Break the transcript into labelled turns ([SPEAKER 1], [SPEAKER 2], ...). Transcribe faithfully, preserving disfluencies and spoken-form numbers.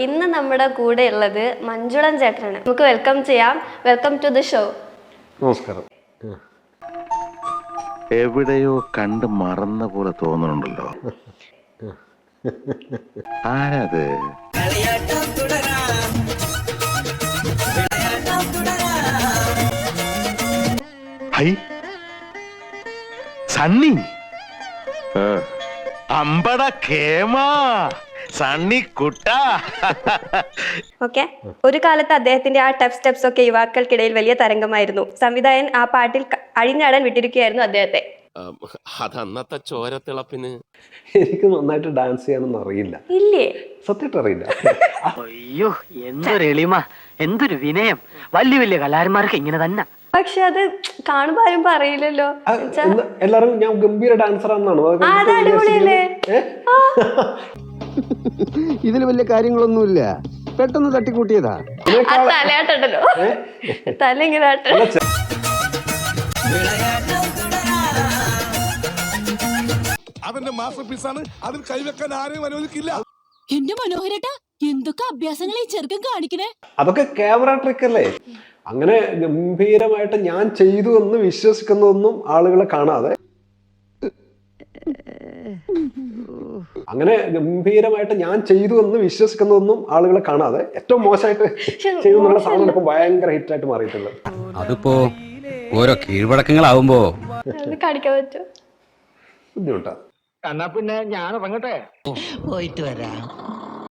[SPEAKER 1] ഇന്ന് നമ്മുടെ കൂടെ ഉള്ളത് മഞ്ജുളൻ ചേട്ടനാണ്. നമുക്ക് വെൽക്കം ചെയ്യാം. Welcome to the show.
[SPEAKER 2] നമസ്കാരം.
[SPEAKER 3] എവിടെയോ കണ്ട് മറന്ന പോലെ തോന്നുന്നുണ്ടല്ലോ. ആരത്? ഹൈ സണ്ണി, അമ്പട കേമാ സണ്ണി കുട്ട.
[SPEAKER 1] ഓക്കെ, ഒരു കാലത്ത് അദ്ദേഹത്തിന്റെ ആ ടഫ് സ്റ്റെപ്സ് ഒക്കെ യുവാക്കൾക്കിടയിൽ വലിയ തരംഗമായിരുന്നു. സംവിധായകൻ ആ പാട്ടിൽ അഴിഞ്ഞാടാൻ വിട്ടിരിക്കുകയായിരുന്നു അദ്ദേഹത്തെ.
[SPEAKER 4] അതന്നത്തെ ചോരത്തിളപ്പിന്.
[SPEAKER 2] എനിക്ക് നന്നായിട്ട് ഡാൻസ് ചെയ്യാനൊന്നും അറിയില്ല.
[SPEAKER 1] ഇല്ലേ?
[SPEAKER 2] സത്യമായിട്ട് അറിയില്ല.
[SPEAKER 5] അയ്യോ, എന്തൊരു എളിമ, എന്തൊരു വിനയം. വലിയ വലിയ കലാകാരന്മാർക്ക് ഇങ്ങനെ തന്നെ.
[SPEAKER 1] പക്ഷെ അത് കാണുമ്പോ ആരും പറയില്ലല്ലോ.
[SPEAKER 2] എല്ലാരും ഞാൻ ഗംഭീര ഡാൻസർ ആണെന്നാണ്.
[SPEAKER 1] അടിപൊളിയല്ലേ?
[SPEAKER 6] ഇതിൽ വലിയ കാര്യങ്ങളൊന്നുമില്ല, പെട്ടെന്ന് തട്ടിക്കൂട്ടിയതാ.
[SPEAKER 1] ആ തലയാട്ടുണ്ടല്ലോ, തല ഇങ്ങനെ ആട്ട.
[SPEAKER 7] അവന്റെ മാസ്റ്റർ പീസാണ്, അതിൽ കൈവെക്കാൻ ആരെയും അനുവദിക്കില്ല.
[SPEAKER 8] എന്റെ മനോഹരേട്ടാ, എന്തൊക്കെ അഭ്യാസങ്ങൾ ഈ ചെറുക്കൻ കാണിക്കണേ.
[SPEAKER 2] അതൊക്കെ ക്യാമറ ട്രിക്ക് അല്ലേ? അങ്ങനെ ഗംഭീരമായിട്ട് ഞാൻ ചെയ്തു എന്ന് വിശ്വസിക്കുന്നതൊന്നും ആളുകളെ കാണാതെ, അങ്ങനെ ഗംഭീരമായിട്ട് ഞാൻ ചെയ്തു എന്ന് വിശ്വസിക്കുന്നതൊന്നും ആളുകളെ കാണാതെ ഏറ്റവും മോശമായിട്ട് ചെയ്യുന്നുള്ള സാധനം ഇപ്പൊ ഭയങ്കര ഹിറ്റായിട്ട് മാറിയിട്ടുള്ളത്.
[SPEAKER 6] അതിപ്പോ ഓരോ കീഴ്വഴക്കങ്ങളാവുമ്പോ
[SPEAKER 1] കാണിക്കാൻ പറ്റും,
[SPEAKER 2] ബുദ്ധിമുട്ടാ.
[SPEAKER 5] എന്നാ പിന്നെ ഞാൻ ഇറങ്ങട്ടെ.
[SPEAKER 8] പോയിട്ട് വരാം.